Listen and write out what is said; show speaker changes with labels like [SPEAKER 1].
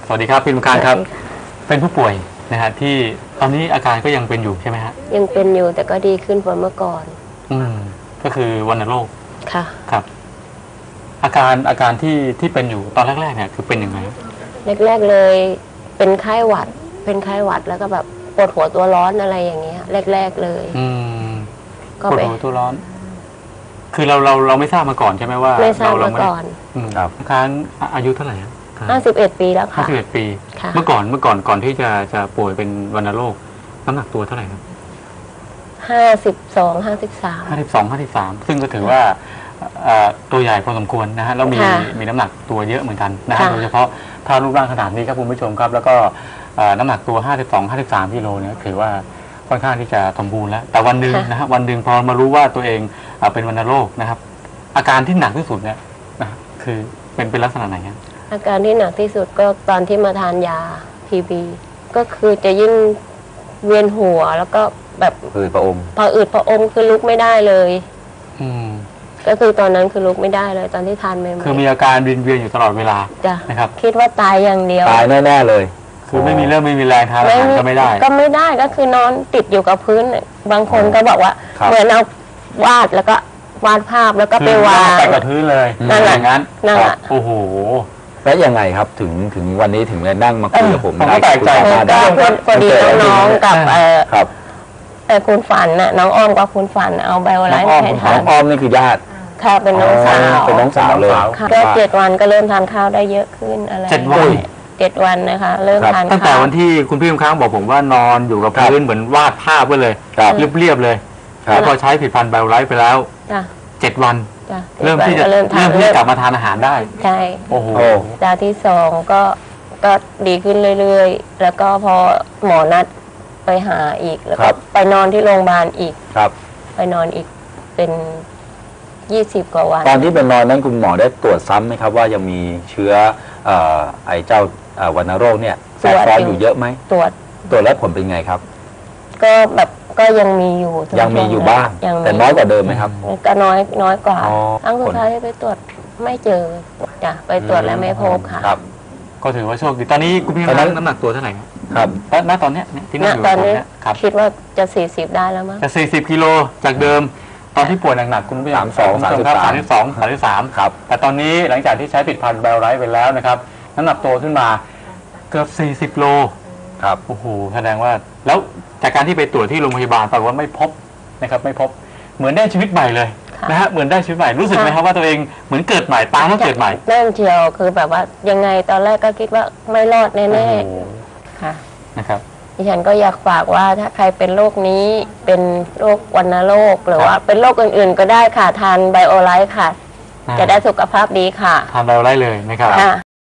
[SPEAKER 1] สวัสดีครับพี่ลุงการครับเป็นผู้ป่วยนะฮะที่ตอนนี้อาการก็ยังเป็นอยู่ใช่ไหมฮะ
[SPEAKER 2] ยังเป็นอยู่แต่ก็ดีขึ้นกว่าเมื่อก่อน
[SPEAKER 1] ก็คือวัณโรค
[SPEAKER 2] ค่ะ
[SPEAKER 1] ครับอาการที่เป็นอยู่ตอนแรกๆเนี่ยคือเป็นยังไง
[SPEAKER 2] แรกๆเลยเป็นไข้หวัดแล้วก็แบบปวดหัวตัวร้อนอะไรอย่างเงี้ยแรกๆเลย
[SPEAKER 1] ก็ปวดหัวตัวร้อนคือเราไม่ทราบมาก่อนใช่ไหมว่า
[SPEAKER 2] ไม่ทราบมาก่อน
[SPEAKER 1] ครับค้างอายุเท่าไหร่
[SPEAKER 2] 51 ปีแล้วค่ะ
[SPEAKER 1] 51 ปีเมื่อก่อนก่อนที่จะป่วยเป็นวัณโรคน้ำหนักตัวเท่าไหร่ครับ52 53ซึ่งก็ถือว่าตัวใหญ่พอสมควรนะฮะแล้วมีน้ำหนักตัวเยอะเหมือนกันนะฮะโดยเฉพาะถ้ารูปร่างขนาดนี้ครับคุณผู้ชมครับแล้วก็น้ำหนักตัว52-53กิโลเนี่ยถือว่าค่อนข้างที่จะสมบูรณ์แล้วแต่วันหนึ่งนะฮะวันหนึ่งพอมารู้ว่าตัวเองเป็นวัณโรคนะครับอาการที่หนักที่สุดเนี่ยนะคือเป็นลักษณะไหนครับ
[SPEAKER 2] อาการที่หนักที่สุดก็ตอนที่มาทานยาPBก็คือจะยิ่งเวียนหัวแล้วก็แบบ
[SPEAKER 3] อืดผะอ
[SPEAKER 2] มคือลุกไม่ได้เลยก็คือตอนนั้นคือลุกไม่ได้เลยตอนที่ทานใหม่ๆ
[SPEAKER 1] คือมีอาการเวียนอยู่ตลอดเวลานะครับ
[SPEAKER 2] คิดว่าตายอย่างเดียว
[SPEAKER 3] ตายแน่ๆเลย
[SPEAKER 1] คือไม่มีเรื่องไม่มีแรงทานอาหารก็ไม่ได้
[SPEAKER 2] ก็คือนอนติดอยู่กับพื้นบางคนก็บอกว่าเหมือนเอาวาดแล้วก็วาดภาพแล้วก็ไปวาง
[SPEAKER 1] แต่กับพื้นเลย
[SPEAKER 2] นั่นแหละ
[SPEAKER 1] โอ้โห
[SPEAKER 3] แล้วยังไงครับถึงวันนี้ถึงได้นั่งมาคุยกับผม
[SPEAKER 1] ได้แปลกใจ
[SPEAKER 2] ก็พอดีน้องๆกับคุณฝันน่ะน้องอ้อมกับคุณฝันเอาไบโอไลท์ให้ทาน
[SPEAKER 3] น้องอ้อมนี่คือญาติ
[SPEAKER 2] ค่ะเป็นน้องสาว
[SPEAKER 3] เลย
[SPEAKER 2] ก็7 วันก็เริ่มทานข้าวได้เยอะขึ้นอะไร7 วันนะคะเริ่มทานข้าว
[SPEAKER 1] ตั้งแต่วันที่คุณพี่ค้างบอกผมว่านอนอยู่กับพื้นเหมือนวาดภาพไว้เลยเรียบๆเลยพอใช้ผลิตภัณฑ์ไบโอไลท์ไปแล้ว7 วันเริ่มที่จะกลับมาทานอาหารได้
[SPEAKER 2] ใช่
[SPEAKER 1] โอ้โห
[SPEAKER 2] ดาวที่2ก็ดีขึ้นเรื่อยๆแล้วก็พอหมอนัดไปหาอีกแล้วก็ไปนอนที่โรงพยาบาลอีกไปนอนอีกเป็น20 กว่าวัน
[SPEAKER 3] ตอนที่ไปนอนนั้นคุณหมอได้ตรวจซ้ำไหมครับว่ายังมีเชื้อไอเจ้าวัณโรคเนี่ยแทรกซ้อนอยู่เยอะไหมตรวจแล้วผลเป็นไงครับ
[SPEAKER 2] ก็ยังมีอยู่
[SPEAKER 3] บ้างแต่น้อยกว่าเดิมไหมครับ
[SPEAKER 2] ก็น้อยกว่าครั้งสุดท้ายที่ไปตรวจไม่เจอจ้ะไปตรวจแล้วไม่พบค่ะ
[SPEAKER 1] ก็ถือว่าโชคดีตอนนี้คุณพี่น้ำหนักตัวเท่าไหร่ครับณตอนนี้ที่นั่งอยู่
[SPEAKER 2] ตอนนี้คิดว่าจะ40ได้แล้วมั้ง
[SPEAKER 1] จะ40 กิโลจากเดิมตอนที่ป่วยหนักๆคุณพี่32-33ครับแต่ตอนนี้หลังจากที่ใช้ผลิตภัณฑ์ไบโอไลท์ไปแล้วนะครับน้ำหนักตัวขึ้นมาเกือบ40 โล
[SPEAKER 3] ครับ
[SPEAKER 1] โอ้โหแสดงว่าแล้วจากการที่ไปตรวจที่โรงพยาบาลปรากฏว่าไม่พบนะครับไม่พบเหมือนได้ชีวิตใหม่เลยนะฮะเหมือนได้ชีวิตใหม่รู้สึกไหมครับว่าตัวเองเหมือนเกิดใหม่ตาต้องเกิดใหม่
[SPEAKER 2] เริ่มเชียวคือแบบว่ายังไงตอนแรกก็คิดว่าไม่รอดแน่ๆค่ะ
[SPEAKER 1] นะครับ
[SPEAKER 2] ดิฉันก็อยากฝากว่าถ้าใครเป็นโรคนี้เป็นโรควัณโรคหรือว่าเป็นโรคอื่นๆก็ได้ค่ะทานไบโอไลท์ค่ะจะได้สุขภาพดีค่ะ
[SPEAKER 1] ทานไบโอไลท์เลยนะครับ